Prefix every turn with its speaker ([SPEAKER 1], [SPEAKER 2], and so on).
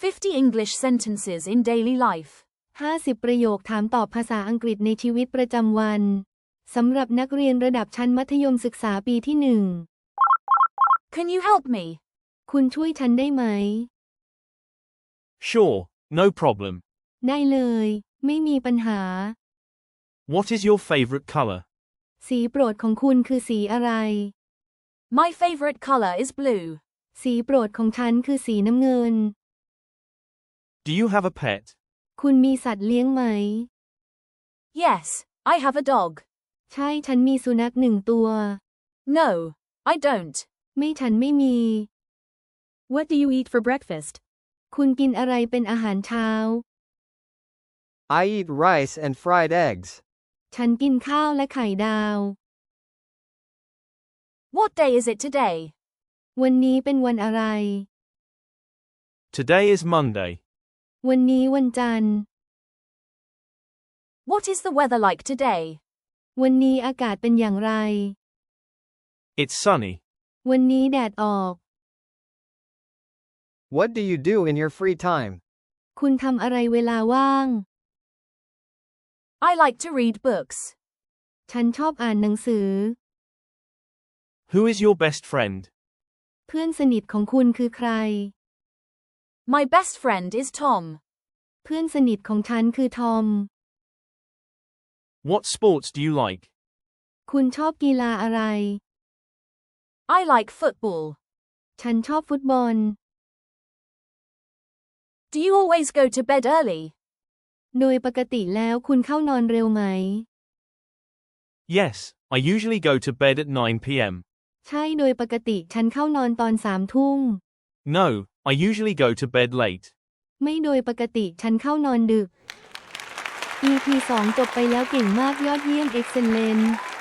[SPEAKER 1] 50 English sentences in daily life.
[SPEAKER 2] 50 ประโยคถามตอบภาษาอังกฤษในชีวิตประจำวันสำหรับนักเรียนระดับชั้นมัธยมศึกษาปีที่
[SPEAKER 1] Can you help me?
[SPEAKER 2] 1 คุณช่วยฉันได้ไหม
[SPEAKER 3] Sure, no problem.
[SPEAKER 2] ได้เลย ไม่มีปัญหา
[SPEAKER 3] What is your favorite color?
[SPEAKER 2] สีโปรดของคุณคือสีอะไร
[SPEAKER 1] My favorite color is blue.
[SPEAKER 2] สีโปรดของฉันคือสีน้ำเงิน
[SPEAKER 3] Do you have a pet?
[SPEAKER 2] คุณมีสัตว์เลี้ยงไหม
[SPEAKER 1] Yes, I have a dog.
[SPEAKER 2] ใช่ฉันมีสุนัข1 ตัว
[SPEAKER 1] No, I don't.
[SPEAKER 2] ไม่ฉันไม่มี
[SPEAKER 1] What do you eat for breakfast?
[SPEAKER 2] คุณกินอะไรเป็นอาหารเช้า
[SPEAKER 4] I eat rice and fried eggs.
[SPEAKER 2] ฉันกินข้าวและไข่ดาว
[SPEAKER 1] What day is it today?
[SPEAKER 2] วันนี้เป็นวันอะไร
[SPEAKER 3] Today is Monday.
[SPEAKER 2] วันนี้วันจันทร์
[SPEAKER 1] What is the weather like today?
[SPEAKER 2] วันนี้อากาศเป็นอย่างไร
[SPEAKER 3] It's sunny.
[SPEAKER 2] วันนี้แดดออก
[SPEAKER 4] What do you do in your free time?
[SPEAKER 2] คุณทำอะไรเวลาว่าง
[SPEAKER 1] I like to read books.
[SPEAKER 2] ฉันชอบอ่านหนังสือ
[SPEAKER 3] Who is your best friend?
[SPEAKER 2] เพื่อนสนิทของคุณคือใคร
[SPEAKER 1] My best friend is Tom.
[SPEAKER 2] เพื่อนสนิทของฉันคือทอม
[SPEAKER 3] What sports do you like?
[SPEAKER 2] คุณชอบกีฬาอะไร
[SPEAKER 1] I like football.
[SPEAKER 2] ฉันชอบฟุตบอล
[SPEAKER 1] Do you always go to bed early?
[SPEAKER 2] โดยปกติแล้วคุณเข้านอนเร็วไหม
[SPEAKER 3] Yes, I usually go to bed at 9 p.m.
[SPEAKER 2] ใช่โดยปกติฉันเข้านอนตอน3 ทุ่ม
[SPEAKER 3] No, I usually go to bed late.
[SPEAKER 2] ไม่โดยปกติฉันเข้านอนดึก EP 2 จบไปแล้วเก่งมากยอดเยี่ยม Excellent